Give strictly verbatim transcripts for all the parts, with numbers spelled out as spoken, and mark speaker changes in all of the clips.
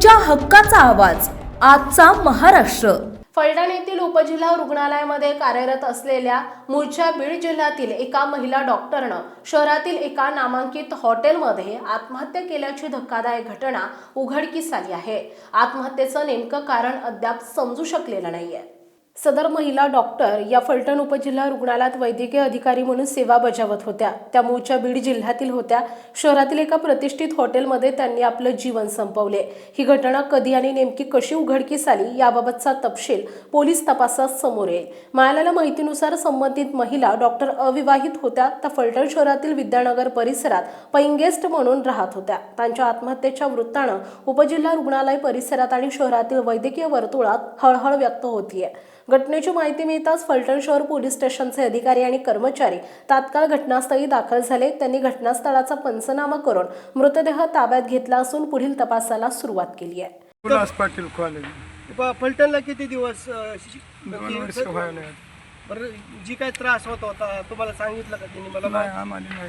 Speaker 1: तुमच्या हक्काचा आवाज आजचा महाराष्ट्र।
Speaker 2: फलटण येथील उपजिल्हा रुग्णालयामध्ये कार्यरत असलेल्या मूळच्या बीड जिल्ह्यातील एका महिला डॉक्टरनं शहरातील एका नामांकित हॉटेलमध्ये आत्महत्या केल्याची धक्कादायक घटना उघडकीस आली आहे। आत्महत्येचं नेमकं कारण अद्याप समजू शकलेलं नाहीये। सदर महिला डॉक्टर या फलटण उपजिल्हा रुग्णालयात वैद्यकीय अधिकारी म्हणून सेवा बजावत होत्या। त्या मूळच्या बीड जिल्ह्यातील होत्या। शहरातील एका प्रतिष्ठित हॉटेलमध्ये त्यांनी आपलं जीवन संपवले। ही घटना कधी आणि नेमकी कशी उघडकीस आली याबाबतचा तपशील पोलीस तपासात समोर येईल। मिळालेल्या माहितीनुसार संबंधित महिला डॉक्टर अविवाहित होत्या। त्या फलटण शहरातील विद्यानगर परिसरात पेइंग गेस्ट म्हणून राहत होत्या। त्यांच्या आत्महत्येच्या वृत्तानं उपजिल्हा रुग्णालय परिसरात आणि शहरातील वैद्यकीय वर्तुळात हळहळ व्यक्त होतीये। घटनेची माहिती मिळताच फलटण शहर पोलीस स्टेशनचे अधिकारी आणि कर्मचारी तात्काळ घटनास्थळी दाखल झाले। त्यांनी घटनास्थळाचा पंचनामा करून मृतदेह ताब्यात घेतला असून पुढील तपासाला सुरुवात केली आहे।
Speaker 3: उल्हास पाटील कॉलेज
Speaker 4: फलटणला किती दिवस
Speaker 3: दोन वर्ष व्हायला
Speaker 4: बरं, जी काय त्रास होत होता तुम्हाला सांगितलं का त्यांनी? मला
Speaker 3: नाही, आम्हाला नाही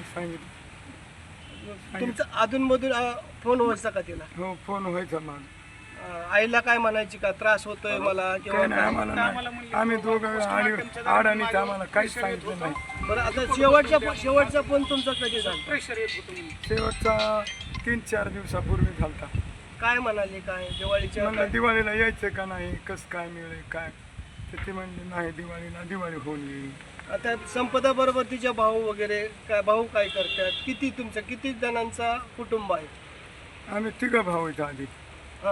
Speaker 3: सांगितलं।
Speaker 4: तुमचं अधूनमधून फोन व्हायचा का तिला?
Speaker 3: हो, फोन व्हायचा मग
Speaker 4: आईला काय म्हणायची का त्रास होतोय मला किंवा
Speaker 3: काय नाही, आम्हाला नाही। आम्ही दोघं आणि आडानीच आम्हाला काहीच सांगितलं नाही।
Speaker 4: बरं, आता शेवटच्या शेवटचा फोन तुमचा कधी झाला?
Speaker 3: शेवटचा तीन चार दिवसापूर्वी झालता।
Speaker 4: काय म्हणाले? काय दिवाळीच्या
Speaker 3: म्हणलं दिवाळीला यायचं का नाही, कसं काय मिळेल काय, तर ते म्हणले नाही, दिवाळीला दिवाळी होऊन येईल।
Speaker 4: आता संपदा बरोबर तिचे भाऊ वगैरे काय, भाऊ काय करतात? किती तुमचं किती जणांचा कुटुंब आहे?
Speaker 3: आम्ही तिघं भाऊ आहेत आधी।
Speaker 4: हां,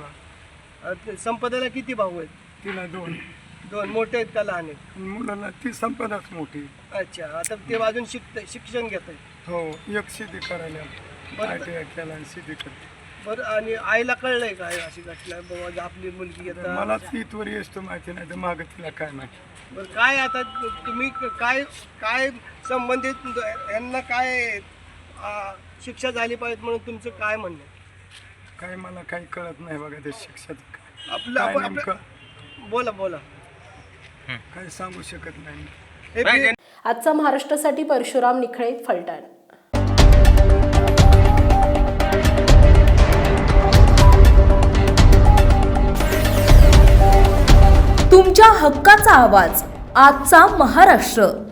Speaker 3: मुळा
Speaker 4: संपदाला किती भाऊ आहेत?
Speaker 3: तिला दोन
Speaker 4: दोन मोठे आहेत का लहान आहेत?
Speaker 3: मुलाला ती संपदाच मोठी।
Speaker 4: अच्छा, आता ते अजून शिकत शिक्षण घेत आहेत?
Speaker 3: हो, एक शेती करायला आय टी आय केला आणि शेती करते।
Speaker 4: बरं, आणि आईला कळलंय काय अशी घटना बाबा आपली मुलगी येतात?
Speaker 3: मला ती त्वर येतो माहिती नाही, तर मागं तिला काय माहिती।
Speaker 4: बरं, काय आता तुम्ही काय काय संबंधित यांना काय आ, शिक्षा झाली पाहिजे म्हणून तुमचं काय म्हणणं आहे?
Speaker 3: काय मला काही कळत नाही बघा ते शिक्षाचं काय।
Speaker 4: आपलं
Speaker 3: काय
Speaker 4: आपण
Speaker 3: नेमकं
Speaker 4: आपलं- बोला बोला
Speaker 3: काही सांगू शकत नाही।
Speaker 4: हे बी-
Speaker 2: आजचा महाराष्ट्रासाठी परशुराम निखळे, फलटण।
Speaker 1: तुमच्या हक्काचा आवाज आजचा महाराष्ट्र।